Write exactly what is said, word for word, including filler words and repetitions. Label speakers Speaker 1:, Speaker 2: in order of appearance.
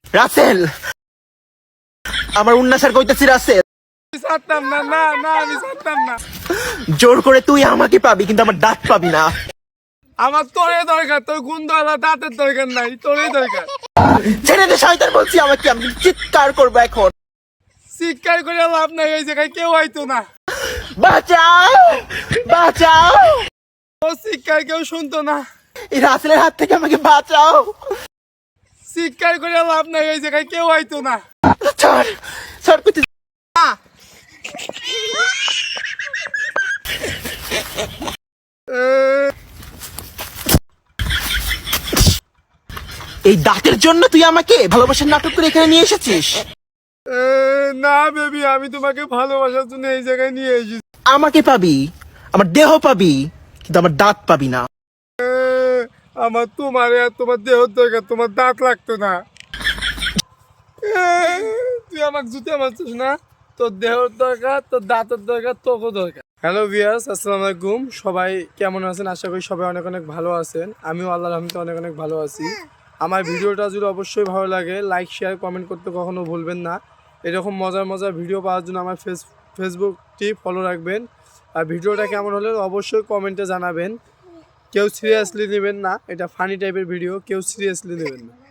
Speaker 1: রাসেল, আমার উন্নাসার কইতেছি রাসেল।
Speaker 2: ছাড়তাম না, না না আমি ছাড়তাম না।
Speaker 1: জোর করে তুই আমাকে পাবি, কিন্তু আমার দাঁত পাবি না।
Speaker 2: আমার তোরে দরকার, তোর গুন্ডওয়ালা দাঁতের দরকার নাই, তোরে দরকার।
Speaker 1: ছেড়ে দে শয়তান বলছি আমাকে, আমি চিৎকার করবো এখন।
Speaker 2: চিৎকার করে লাভ নাই, এই জায়গায় কেউ আইতো না।
Speaker 1: বাঁচাও, বাঁচাও।
Speaker 2: ও চিৎকার কেউ শুনতো না।
Speaker 1: এই রাসেলের হাত থেকে আমাকে বাঁচাও।
Speaker 2: চিৎকার করে লাভ নাই, এই জায়গায় কেউ আইতো না।
Speaker 1: ছাড়, ছাড় করতে। এই দাঁতের জন্য তুই আমাকে ভালোবাসার নাটক করে এখানে নিয়ে এসেছিস?
Speaker 2: এ, না বেবি, আমি তোমাকে ভালোবাসার জন্য এই জায়গায় নিয়ে এসেছি।
Speaker 1: আমাকে পাবি, আমার দেহ পাবি, কিন্তু আমার দাঁত পাবি না।
Speaker 2: এ, আমার তোমার আর তোমার দেহর দরকার, তোমার দাঁত লাগতো না। এ, তুই আমাকে জুতে মারছিস না? তোর দেহর দরকার, তোর দাঁতের দরকার, তোকে দরকার। হ্যালো ভিউয়ার্স, আসসালামু আলাইকুম। সবাই কেমন আছেন? আশা করি সবাই অনেক অনেক ভালো আছেন। আমিও আল্লাহর রহমতে অনেক অনেক ভালো আছি। আমার ভিডিওটা যদি অবশ্যই ভালো লাগে, লাইক শেয়ার কমেন্ট করতে কখনো ভুলবেন না। এরকম মজার মজার ভিডিও পাওয়ার জন্য আমার ফেস ফেসবুকটি ফলো রাখবেন। আর ভিডিওটা কেমন হলে অবশ্যই কমেন্টে জানাবেন। কেউ সিরিয়াসলি নেবেন না, এটা ফানি টাইপের ভিডিও, কেউ সিরিয়াসলি নেবেন না।